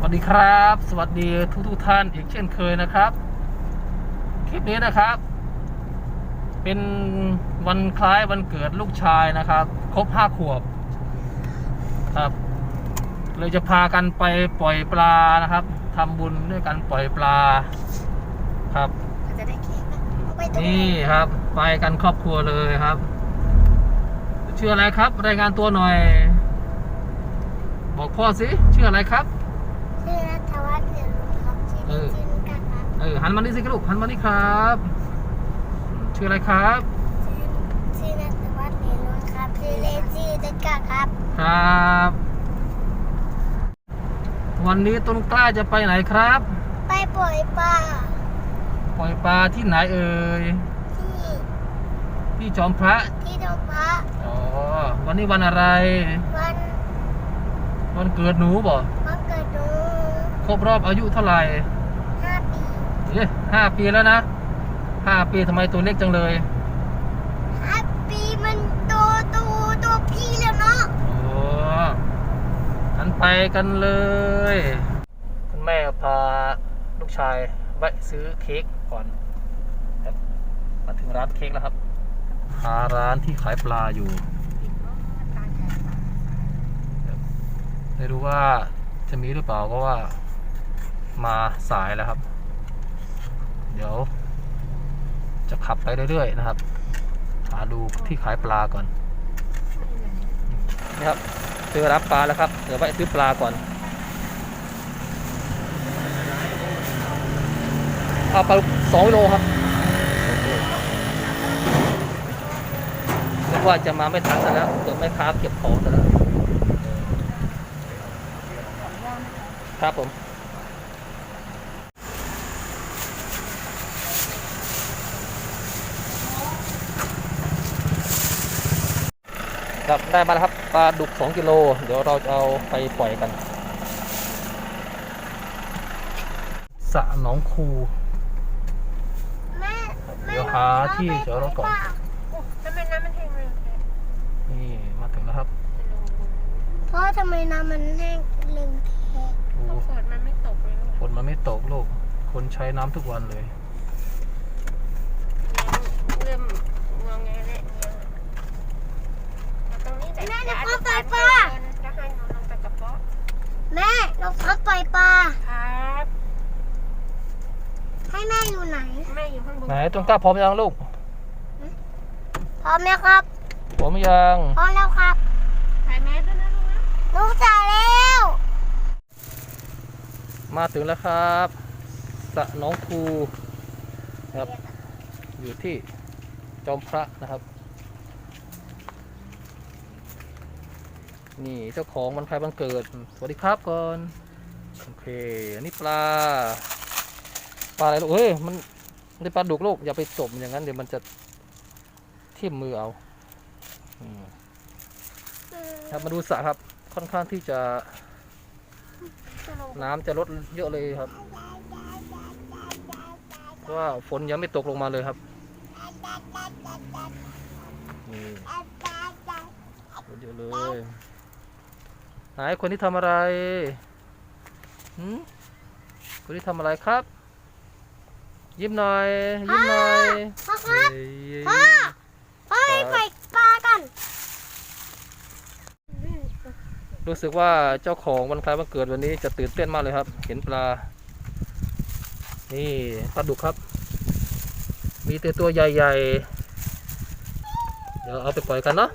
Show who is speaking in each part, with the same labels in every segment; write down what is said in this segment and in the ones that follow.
Speaker 1: วัสดีครับสวัสดีทุกท่านอีกเช่นเคยนะครับคลิปนี้นะครับเป็นวันคล้ายวันเกิดลูกชายนะครับครบ5 ขวบครับเลยจะพากันไปปล่อยปลานะครับทำบุญด้วยกันปล่อยปลาครับ
Speaker 2: จะได้เค้กนะ
Speaker 1: นี่ครับไปกันครอบครัวเลยครับชื่ออะไรครับรายงานตัวหน่อยบอกพ่อสิชื่ออะไรครับ
Speaker 2: ชื่อนัทวัฒน์เหลืองครับชื่อนิกันครับ
Speaker 1: หันมานี่สิลูกหันมานี่ครับชื่ออะไรครับ
Speaker 2: ชื่อนัทวัฒน์เหลืองครับชื่อเล่นชื่อนิกันครับ
Speaker 1: ครับวันนี้ต้นกล้าจะไปไหนครับ
Speaker 2: ไปปล่อยปลา
Speaker 1: ที่ไหนเอ่ยที่จอมพระ
Speaker 2: ที่จอมพระ
Speaker 1: อ๋อวันนี้วันอะไรวันเกิดหนูบ่
Speaker 2: วันเกิดหนู
Speaker 1: ครบรอบอายุเท่าไหร่
Speaker 2: 5 ปี
Speaker 1: 5 ปีแล้วนะ5 ปีทำไมตัวเล็กจังเลย
Speaker 2: 5 ปีมันตัวพี่แล้วเนาะ
Speaker 1: โอ้งั้นไปกันเลยคุณแม่พาลูกชายแวะซื้อเค้กก่อนครับมาถึงร้านเค้กแล้วครับหาร้านที่ขายปลาอยู่ไม่รู้ว่าจะมีหรือเปล่าก็ว่ามาสายแล้วครับเดี๋ยวจะขับไปเรื่อยๆนะครับหาดูที่ขายปลาก่อนนี่ครับซื้อรับปลาแล้วครับเดี๋ยวไปซื้อปลาก่อนเอาปลา2 กิโลครับนึกว่าจะมาไม่ทันซะแล้วเดี๋ยวแม่ค้าเก็บของซะแล้วครับผมครับได้มาแล้วครับปลาดุก2 กิโลเดี๋ยวเราจะเอาไปปล่อยกันสระหนองคูเดี๋ยวหาที่จอดรถก่อน
Speaker 2: ทำไมน้ำมันแห้งเลย
Speaker 1: นี่มาถึงแล้วครับ
Speaker 2: เพราะทำไมน้ำมันแห้งเร็วแท้ฝนมันไม่ตกเลย
Speaker 1: ฝนมันไม่ตกลูกคนใช้น้ำทุกวันเลย
Speaker 2: เริ่มงงแงแล้วตรงนี้แม่เราปล่อยปลาจะให้หนูลงไปกับพ่อแม่เราปล่อยปลาครับให้แม่อยู่ไหนแม่อยู่ข้างบน
Speaker 1: ไหนต้นกล้าพร้อมยังลูก
Speaker 2: พร้อมแล้วครับ
Speaker 1: พร้อมยัง
Speaker 2: พร้อมแล้วครับถ่ายแม่ด้วยนะลูกจ่ายแล้ว
Speaker 1: มาถึงแล้วครับสระหนองคูครับอยู่ที่จอมพระนะครับนี่เจ้าของวันคล้ายวันเกิดสวัสดีครับก่อนโอเคอันนี้ปลาอะไรลูกเฮ้ยมันได้ปลาดุกลูกอย่าไปจมอย่างนั้นเดี๋ยวมันจะทิ่มมือเอาครับมาดูสระครับค่อนข้างที่จะน้ำจะลดเยอะเลยครับเพราะว่าฝนยังไม่ตกลงมาเลยครับนี่เยอะเลยไหนคนที่ทำอะไรคนที่ทำอะไรครับยิ้มหน่อยยิ้มหน่อย
Speaker 2: พ่อครับพ่อให้ไปปลากัน
Speaker 1: รู้สึกว่าเจ้าของวันคล้ายวันเกิดวันนี้จะตื่นเต้นมากเลยครับเห็นปลานี่ปลาดุกครับมีแต่ตัวใหญ่ๆเดี๋ยวเอาไปปล่อยกันเนาะ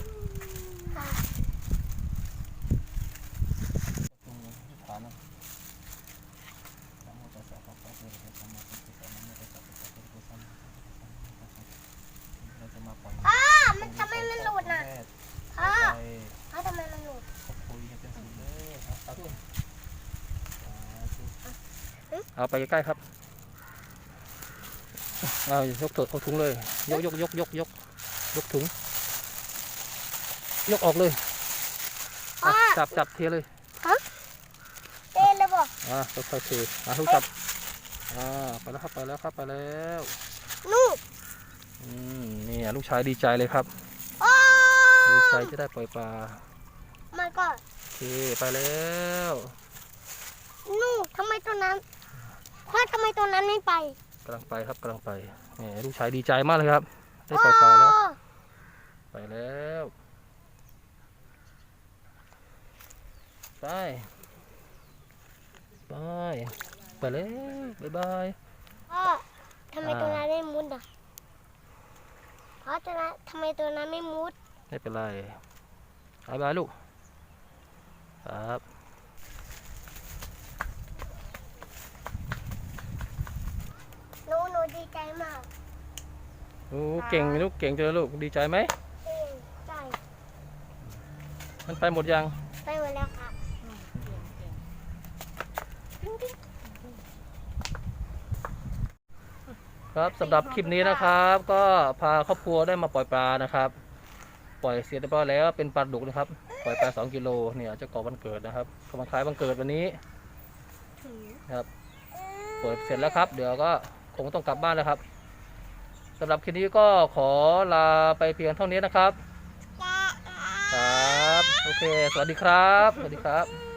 Speaker 2: มันทำไมมันหลุดน่ะทำไมมันหลุด
Speaker 1: เอาไปใกล้ๆครับเอายกเอาถุงเลยยกถุงยกออกเลยจับเทเลย
Speaker 2: เทเลยบ่
Speaker 1: ค่อยๆเททุกจับไปแล้วครับไปแล้ว
Speaker 2: ลูก
Speaker 1: นี่ลูกชายดีใจเลยครับดีใจจะได้ปล่อยปลา
Speaker 2: มันก็
Speaker 1: โอเคไปแล้ว
Speaker 2: ลูกทำไมตัวนั้นพ่อทำไมตัวนั้นไม่ไป
Speaker 1: กำลังไปครับกำลังไปนี่ลูกชายดีใจมากเลยครับได้ปล่อยปลาแล้ว
Speaker 2: โอ้
Speaker 1: ไปแล้วไปไปไปแล้วบ๊ายบาย
Speaker 2: พ่อทำไมตัวนั้นไม่มุดอ่ะพ่อตัวนั้นทำไมตัวนั้นไม่มุด
Speaker 1: ไม่เป็นไรบ๊ายบายลูกครับ
Speaker 2: หนูดีใจมาก
Speaker 1: โอ้เก่งลูกเก่งจังเลยลูกดีใจไหม
Speaker 2: ใช่
Speaker 1: มันไปหมดยัง
Speaker 2: ไปหมดแล้วครับ
Speaker 1: ครับสำหรับคลิปนี้นะครับ ก็พาครอบครัวได้มาปล่อยปลานะครับ ปล่อยเสร็จเรียบร้อยแล้วเป็นปลาดุกนะครับปล่อยปลา2 กิโลเนี่ยเจ้าก่อวันเกิดนะครับกำลังคล้ายวันเกิดวันนี้ครับปล่อยเสร็จแล้วครับ เดี๋ยวก็คงต้องกลับบ้านแล้วครับสำหรับคลิปนี้ก็ขอลาไปเพียงเท่านี้นะครับครับโอเคสวัสดีครับสวัสดีครับ